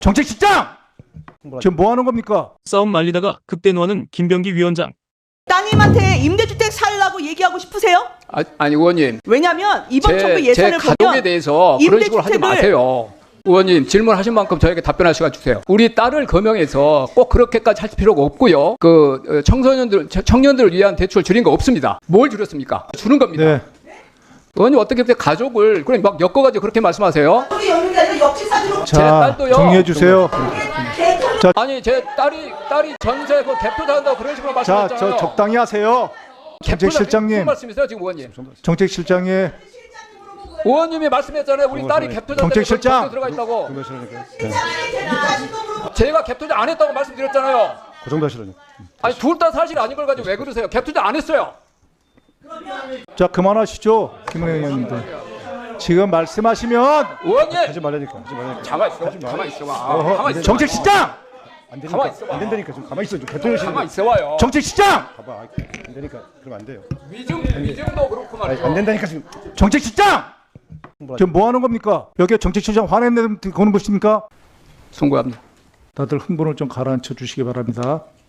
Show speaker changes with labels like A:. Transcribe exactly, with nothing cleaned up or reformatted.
A: 정책실장! 지금 뭐 하는 겁니까?
B: 싸움 말리다가 극대노하는 김병기 위원장.
C: 따님한테 임대주택 살라고 얘기하고 싶으세요?
D: 아, 아니 의원님,
C: 왜냐면 이번 정부
D: 제, 제
C: 예산을
D: 가족에
C: 보면
D: 대해서 그런 식으로 하지
C: 임대주택을-
D: 마세요. 의원님 질문하신 만큼 저에게 답변할 시간 주세요. 우리 딸을 거명해서 꼭 그렇게까지 할 필요가 없고요. 그 청소년들, 청년들을 위한 대출 줄인 거 없습니다. 뭘 줄였습니까? 주는 겁니다.
A: 네.
D: 의원님 어떻게 그렇게 가족을 그냥 막 엮어가지고 그렇게 말씀하세요?
C: 우리 여는 게 아니라 역지사지로
D: 제
A: 자,
D: 딸도요.
A: 정리해 주세요.
D: 아니 제 딸이 딸이 전세 그 갭투자 한다고 그런 식으로
A: 자,
D: 말씀하셨잖아요.
A: 저 적당히 하세요. 정책실장님.
D: 무슨 말씀이세요 지금 의원님?
A: 정책실장이
D: 의원님이 말씀했잖아요. 우리 딸이 갭투자
A: 정책실장.
D: 들어가 있다고. 제가 갭투자 안 했다고 말씀드렸잖아요.
E: 그 정도 하시라뇨.
D: 아니 둘 다 사실 아닌 걸 가지고 왜 그러세요? 갭투자 안 했어요.
A: 자, 그만하시죠. 김은혜 의원님들. 지금 말씀하시면
D: 의원님
E: 하지 말라니까. 하지 말라니까.
D: 가만 있어. 가만 있어 봐.
E: 어허,
D: 가만 있어.
A: 정책실장!
E: 안 되니까.
D: 가만히 있어봐.
E: 안 된다니까. 좀 가만히 있어. 좀 대통령실.
D: 가만 있어 봐요.
A: 정책실장!
E: 봐봐. 아, 안 되니까. 그러면 안 돼요.
D: 위증 위증도 그렇고
E: 아니,
D: 말이죠.
E: 안 된다니까 지금.
A: 정책실장! 지금 뭐 하는 겁니까? 여기에 정책실장 화내는 거는 것입니까?
D: 송구합니다.
A: 다들 흥분을 좀 가라앉혀 주시기 바랍니다.